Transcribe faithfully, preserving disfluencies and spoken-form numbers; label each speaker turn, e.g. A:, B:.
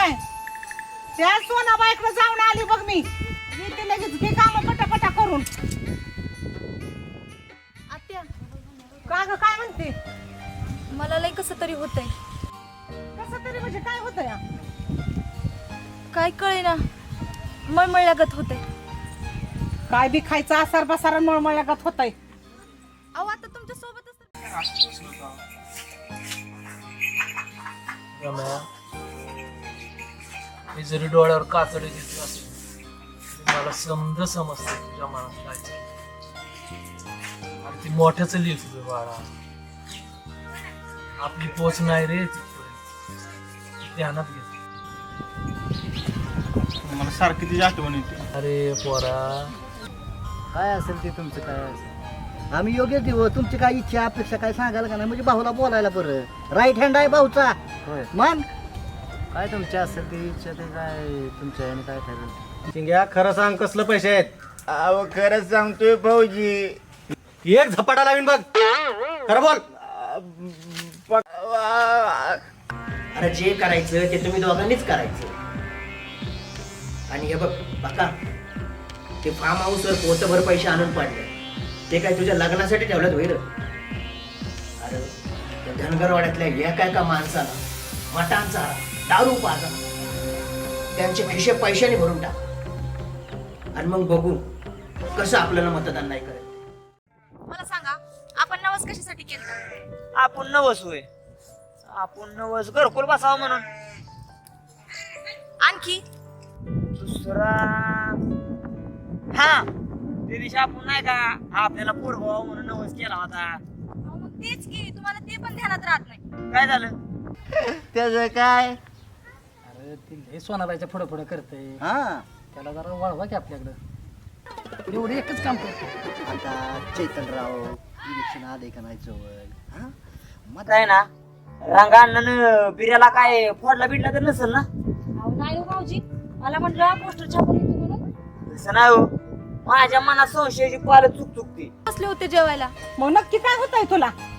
A: काय त्या सोनाबाईकडे जाऊन आली बघ मी येते लगेच घे काम पटापटा करून.
B: आत्या
A: का ग काय म्हणते?
B: मला लय कसं तरी होतंय.
A: कसं तरी म्हणजे काय होतं या?
B: काय कळेना मळमळल्यागत होतंय.
A: काय बी खायचं आसार बसार मळमळल्यागत होतंय.
B: अहो आता तुमच्या सोबतच
C: रम्या, मी जरी डोळ्यावर कातडे घेतलं असेल तरी मला समज समजते तुझ्या मनात काय चाललंय. आणि ती मोठ्याच लिहित तुझं बाळा. आपली पोच नाही रे तिथपर्यंत, ध्यानात घे.
D: मला सारखी तिची आठवण येते.
C: अरे पोरा,
E: काय असेल ते तुमचं काय असेल आम्ही योग्य देऊ. तुमची काय इच्छा अपेक्षा काय सांगायला का नाही म्हणजे भाऊला बोलायला बरं. राईट हँड आहे भाऊचा.
F: होय
E: मग
F: काय तुमच्या असेल ती इच्छा ते काय तुमच्या याने काय ठरेल.
D: चिंग्या खरं सांग कसलं पैसे आहेत?
G: अहो खरंच सांगतोय भाऊजी.
D: एक झपाटा लावीन बघ. खरं बोल.
E: अरे जे करायचं ते तुम्ही दोघांनीच करायचं. आणि हे बघ बघा ते फार्म हाऊसवर पोतभर पैसे आणून पाडले ते काय तुझ्या लग्नासाठी ठेवल्यात होईल. अरे त्या धनगरवाड्यातल्या एका एका माणसाला मटांचा दारू पाजा त्यांचे खिशे पैशाने भरून टाक आणि मग बघू कसं आपल्याला मतदान नाही करायचं.
B: मला सांगा आपण नवस कशासाठी केलं?
F: आपण नवस होय आपण नवस घरकुल बसावं म्हणून.
B: आणखी
F: दुसरा हा ते दिवशी आपण नाही का आपल्याला पोरगाव म्हणून नवस केला होता.
B: अहो, मग तेच की तुम्हाला ते पण ध्यानात राहत नाही.
F: काय झालं?
G: त्याचं काय?
E: अरे ती लय सोनाबाईच्या पुढं पुढं करते.
G: हा
E: त्याला जरा वळवा की आपल्याकडं. एवढं एकच काम करतो. आता चैतनराव इलेक्शन आले का नाही जवळ. हा मग
F: काय ना रंगा अण्णानं बिर्याला काय फोडला बिडला तर नसेल ना?
B: अहो नाही हो भाऊजी मला म्हटलं पोस्टर छापून येतो म्हणून
F: तसं नाही हो. माझ्या मनात संशयाची पाल चुक चुकते.
B: बसले होते जेवायला.
A: मग नक्की काय होतंय तुला?